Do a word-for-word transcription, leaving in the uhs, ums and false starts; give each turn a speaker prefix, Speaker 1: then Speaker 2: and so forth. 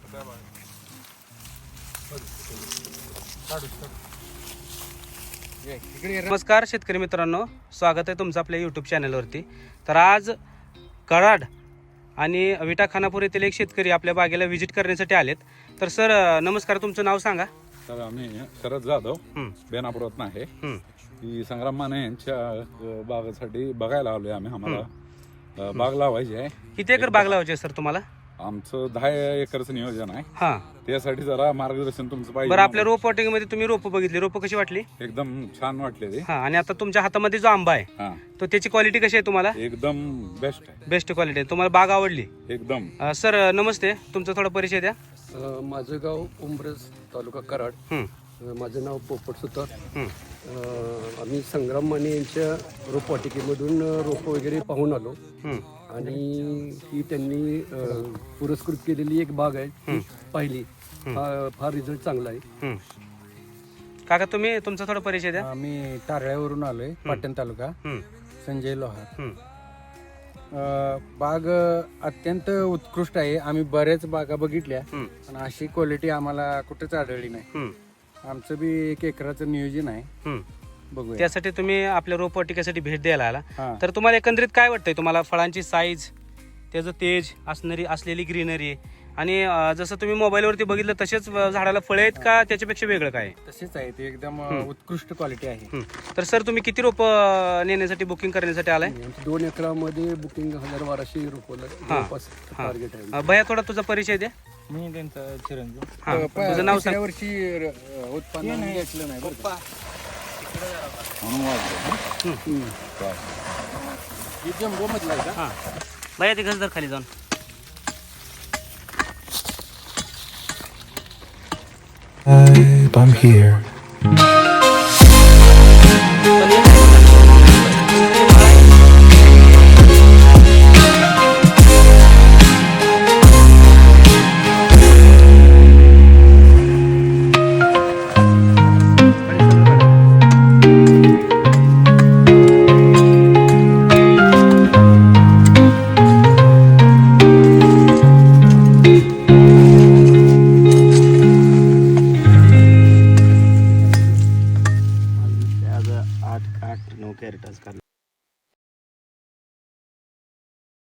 Speaker 1: नमस्कार शेतकरी मित्रांनो, स्वागत आहे तुमचं आपल्या यूट्यूब चॅनलवरती. तर आज कराड आणि विटा खानापूर येथील एक शेतकरी आपल्या बागेला व्हिजिट करण्यासाठी आलेत. तर सर नमस्कार, तुमचं नाव सांगा.
Speaker 2: तर आम्ही शरद जाधव बेनापुरातून आहे. की संग्राम माने यांच्या बागेसाठी बघायला आलोय आम्ही. आम्हाला बाग लावायची आहे.
Speaker 1: किती एकर बाग लावायची आहे सर तुम्हाला?
Speaker 2: आमचं दहा एकरचं नियोजन आहे.
Speaker 1: हा,
Speaker 2: त्यासाठी जरा मार्गदर्शन तुमचं पाहिजे.
Speaker 1: बरं, आपल्या रोप वॉटिंग मध्ये तुम्ही रोप बघितली, रोप कशी वाटली?
Speaker 2: एकदम छान वाटले ते.
Speaker 1: हा, आणि आता तुमच्या हातामध्ये जो आंबा आहे
Speaker 2: हा,
Speaker 1: तो त्याची क्वालिटी कशी आहे तुम्हाला?
Speaker 2: एकदम बेस्ट आहे.
Speaker 1: बेस्ट क्वालिटी आहे. तुम्हाला बाग आवडली?
Speaker 2: एकदम.
Speaker 1: अं, सर नमस्ते, तुमचा थोडा परिचय द्या.
Speaker 3: अ, माझं गाव उंब्रज, तालुका कराड.
Speaker 1: हं,
Speaker 3: अ, माझं नाव पोपट सुतार.
Speaker 1: हं,
Speaker 3: अ, आम्ही संग्राम माने यांच्या रोपवाटिकेमधून रोपं वगैरे पाहून आलो
Speaker 1: हं.
Speaker 3: आणि ही त्यांनी अ, पुरस्कृत केलेली एक बाग आहे ती पाहिली. फा- फार रिझल्ट चांगला आहे.
Speaker 1: हं. काका तुम्ही तुमचा थोडा परिचय द्या.
Speaker 4: आम्ही तारळ्यावरून आलोय, पाटण तालुका,
Speaker 1: हं,
Speaker 4: संजय लोहार.
Speaker 1: हं,
Speaker 4: अ, बाग अत्यंत उत्कृष्ट आहे. आम्ही बऱ्याच बागा बघितल्या
Speaker 1: हं,
Speaker 4: पण अशी क्वालिटी आम्हाला कुठेच आढळली नाही.
Speaker 1: हं,
Speaker 4: आमचं बी एक एकराचं नियोजन आहे,
Speaker 1: हं.
Speaker 4: बघूया.
Speaker 1: त्यासाठी तुम्ही आपल्या रोपवाटिकेसाठी भेट द्यायला आला.
Speaker 4: हा.
Speaker 1: तर तुम्हाला एकंदरीत काय वाटतंय? तुम्हाला फळांची साईज, त्याचं तेज असणारी असलेली ग्रीनरी आणि अं, जसं तुम्ही मोबाईलवरती बघितलं तसेच झाडाला फळे आहेत का त्याच्यापेक्षा वेगळं काय?
Speaker 4: तसेच आहे ते, एकदम उत्कृष्ट क्वालिटी आहे.
Speaker 1: हं. तर सर तुम्ही किती रोप नेण्यासाठी बुकिंग करण्यासाठी आलाय?
Speaker 3: आमच्या दोन एकरामध्ये बुकिंग हजार बाराशे रोपं जवळपास टार्गेट आहे.
Speaker 1: अं, भैया थोडा तुझा परिचय द्या.
Speaker 4: मी त्यांचा चिरंजीव.
Speaker 1: हा, तुझं नाव सांग.
Speaker 4: तिसऱ्या वर्षी अ, उत्पन्न घेतलं नाही बरं का.
Speaker 2: म्हणून वाटलं.
Speaker 4: ही जम्बो मधला आहे का?
Speaker 1: हा, भैया ते घसदर खाली जाऊन.
Speaker 5: I'm here.